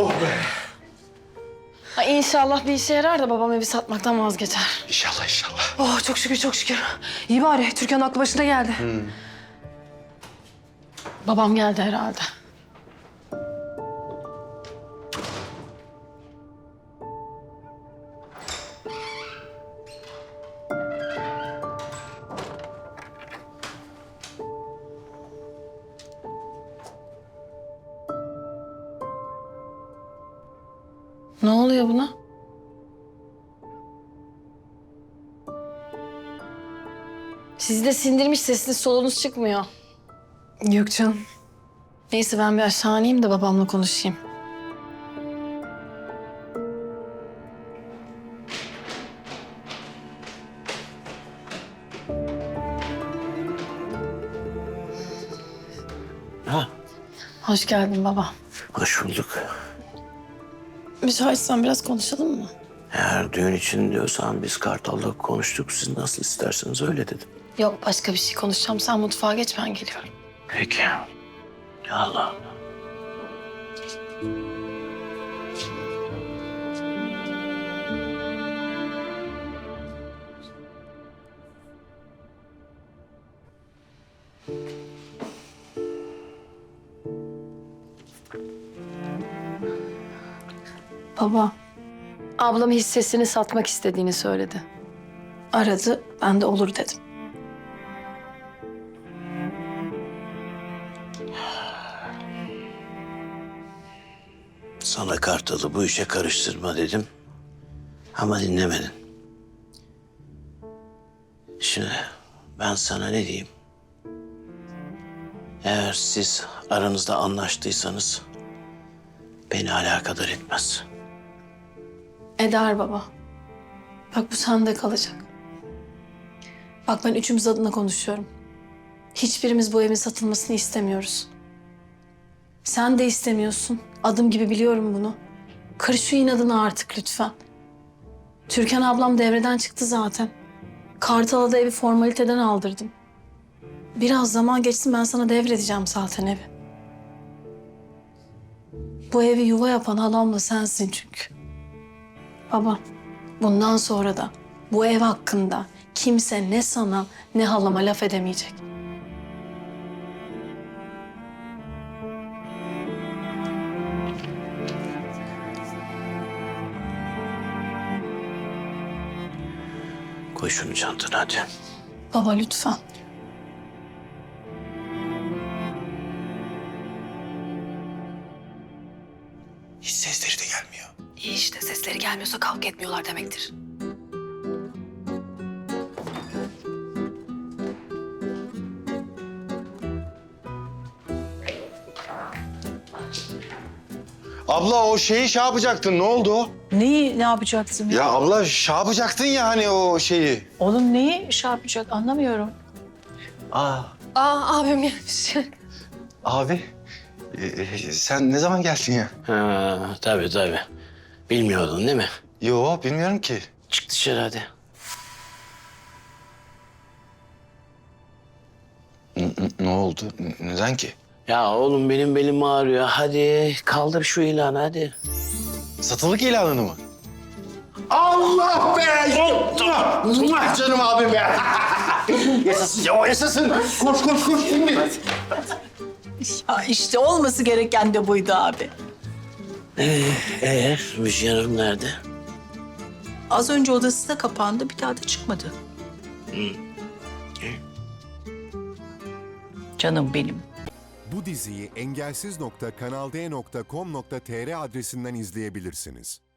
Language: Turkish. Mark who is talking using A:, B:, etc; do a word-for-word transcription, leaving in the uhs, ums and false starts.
A: Oh be.
B: Ay inşallah bir işe yarar da babam evi satmaktan vazgeçer.
A: İnşallah inşallah.
C: Oh çok şükür çok şükür. İyi bari Türkan'ın aklı başına geldi.
A: Hmm.
B: Babam geldi herhalde. Ne oluyor buna? Sizi de sindirmiş, sesiniz solunuz çıkmıyor.
C: Yok canım.
B: Neyse ben bir aşağı ineyim de babamla konuşayım.
D: Ha,
B: Hoş geldin baba.
D: hoş bulduk.
B: Müsaitsen biraz konuşalım mı?
D: Eğer düğün için diyorsan biz Kartal'la konuştuk. Siz nasıl isterseniz öyle dedim.
B: Yok başka bir şey konuşacağım. Sen mutfağa geç ben geliyorum.
D: Peki. Allah Allah.
B: Baba, ablam hissesini satmak istediğini söyledi. Aradı, ben de olur dedim.
D: Sana Kartal'ı bu işe karıştırma dedim. Ama dinlemedin. Şimdi ben sana ne diyeyim? Eğer siz aranızda anlaştıysanız beni alakadar etmez.
B: Eder baba. Bak bu sende kalacak. Bak ben üçümüz adına konuşuyorum. Hiçbirimiz bu evin satılmasını istemiyoruz. Sen de istemiyorsun. Adım gibi biliyorum bunu. Kır şu inadını artık lütfen. Türkan ablam devreden çıktı zaten. Kartal'a da evi formaliteden aldırdım. Biraz zaman geçsin ben sana devredeceğim zaten evi. Bu evi yuva yapan halamla sensin çünkü. Baba, bundan sonra da bu ev hakkında kimse ne sana ne halama laf edemeyecek.
D: Koy şunu çantana hadi.
B: Baba lütfen.
A: Hiç sesleri de gelmiyor.
C: İyi işte sesleri gelmiyorsa kavga etmiyorlar demektir.
A: Abla o şeyi şey yapacaktın. Ne oldu o?
E: Neyi ne yapacaksın?
A: Ya abla şey yapacaktın ya hani o şeyi.
E: Oğlum neyi şey yapacak anlamıyorum.
A: Aa
C: Aa abim gelmiş.
A: abi e, sen ne zaman geldin ya?
D: Ha, tabii tabii. Bilmiyordun değil mi?
A: Yo bilmiyorum ki.
D: Çık dışarı hadi.
A: N- n- ne oldu? N- neden ki?
D: Ya oğlum benim belim ağrıyor. Hadi kaldır şu ilanı hadi.
A: Satılık ilanını mı? Allah be! Muah, canım abim be! Yaşasın ya, o yaşasın. Koş koş koş şimdi.
E: Ya işte olması gereken de buydu abi.
D: Ee, ee, Müjgan Hanım nerede?
E: Az önce odasına kapandı bir daha da çıkmadı. Canım benim.
F: Bu diziyi engelsiz nokta kanal d nokta com nokta tr adresinden izleyebilirsiniz.